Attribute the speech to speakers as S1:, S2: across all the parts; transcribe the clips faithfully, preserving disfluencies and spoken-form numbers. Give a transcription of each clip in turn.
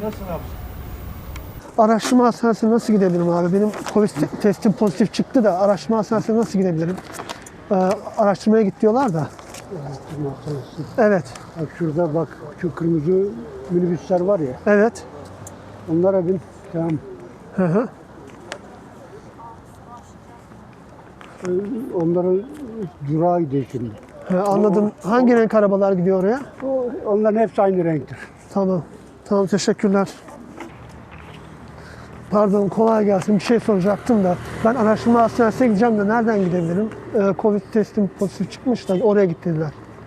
S1: Nasılsın abi?
S2: Araştırma hastanesine nasıl gidebilirim abi? Benim Covid testim pozitif çıktı da araştırma hastanesine nasıl gidebilirim? Ee, araştırmaya git diyorlar da.
S1: Araştırma hastanesi.
S2: Evet,
S1: Bak şurada bak şu kırmızı minibüsler var ya.
S2: evet.
S1: Onlara bin. Tamam.
S2: Hı hı.
S1: Ee, Onların durağı gidiyor şimdi.
S2: He, anladım. Hangi renk arabalar gidiyor oraya?
S1: O, onların hepsi aynı renktir.
S2: Tamam. Tamam, teşekkürler. Pardon, kolay gelsin. Bir şey soracaktım da. Ben araştırma hastanesine gideceğim de nereden gidebilirim? Ee, Covid testim pozitif çıkmış da oraya git dediler.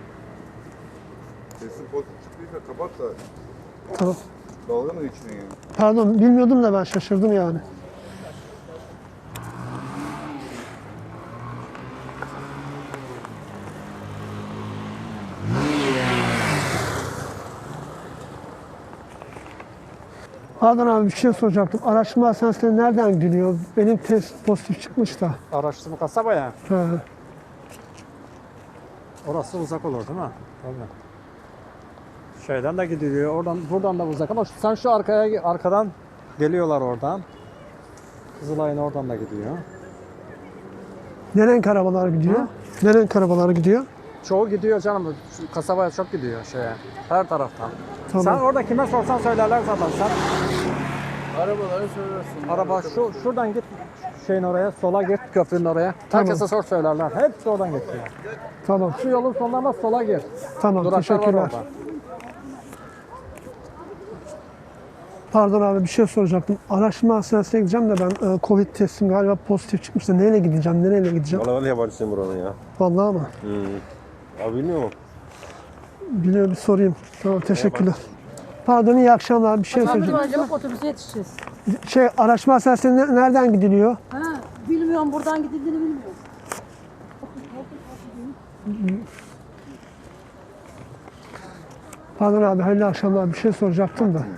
S3: Sesin pozitif çıktıysa kapat da
S2: Tamam.
S3: dalga mı içine yani?
S2: Pardon, bilmiyordum da ben şaşırdım yani. Pardon abi, bir şey soracaktım. Araştırma hastanesine nereden gidiliyor? Benim test pozitif çıkmış da.
S4: Araştırma kasaba ya.
S2: He.
S4: Orası uzak olur değil mi? Tabii. Şeyden de gidiliyor. Oradan buradan da uzak ama sen şu arkaya arkadan geliyorlar oradan. Kızılay'ın oradan da gidiyor.
S2: Ne renk arabalar gidiyor?
S4: Ha?
S2: Ne renk arabalar gidiyor?
S4: Çoğu gidiyor canım. Şu kasabaya çok gidiyor şeye. Her taraftan.
S2: Tamam.
S4: Sen orada kime sorsan söylerler zaten. Sen
S3: Arabaları söylersin.
S4: araba şu şuradan git şeyin oraya, sola git köprünün oraya.
S2: Tamam.
S4: Herkese sor söylerler. Hepsi oradan geçiyor.
S2: Tamam.
S4: Şu yolun sonlarına sola gir.
S2: Tamam,
S4: Duraklar var
S2: teşekkürler.
S4: orada.
S2: Pardon abi, bir şey soracaktım. Araştırma hastanesine gideceğim de ben e, Covid testim galiba pozitif çıkmış da neyle gideceğim, nereyle gideceğim?
S5: Valla ben de yabancısıyım buranın ya.
S2: Vallahi ama.
S5: Hmm. Abi bilmiyor musun?
S2: Biliyorum, bir sorayım. Tamam, teşekkürler. Pardon, iyi akşamlar. Bir şey
S6: Abi
S2: söyleyeceğim.
S6: acaba otobüse yetişeceğiz.
S2: Şey, araştırma hastanesine ne- nereden gidiliyor?
S6: Ha, bilmiyorum buradan gidildiğini bilmiyorum.
S2: Pardon abi, hayırlı akşamlar. Bir şey soracaktım da.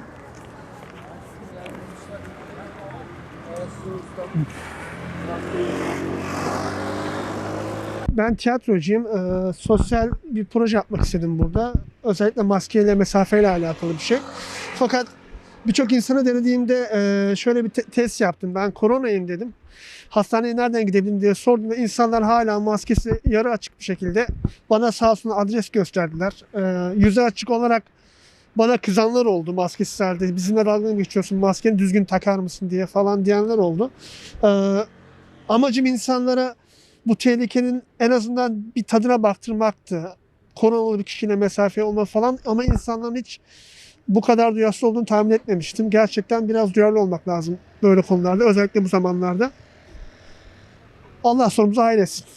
S2: Ben tiyatrocuyum. Ee, sosyal bir proje yapmak istedim burada. Özellikle maskeyle, mesafeyle alakalı bir şey. Fakat birçok insana denediğimde e, şöyle bir te- test yaptım. Ben koronayım dedim. Hastaneye nereden gidebilirim diye sordum ve insanlar hala maskesi yarı açık bir şekilde bana sağ olsun adres gösterdiler. Ee, yüzü açık olarak bana kızanlar oldu maskesiz halde. Bizimle dalga mı geçiyorsun, maskeni düzgün takar mısın diye falan diyenler oldu. Ee, amacım insanlara bu tehlikenin en azından bir tadına baktırmaktı. Koronalı bir kişiyle mesafe olma falan, ama insanların hiç bu kadar duyarsız olduğunu tahmin etmemiştim. Gerçekten biraz duyarlı olmak lazım böyle konularda, özellikle bu zamanlarda. Allah sonumuzu hayretsin.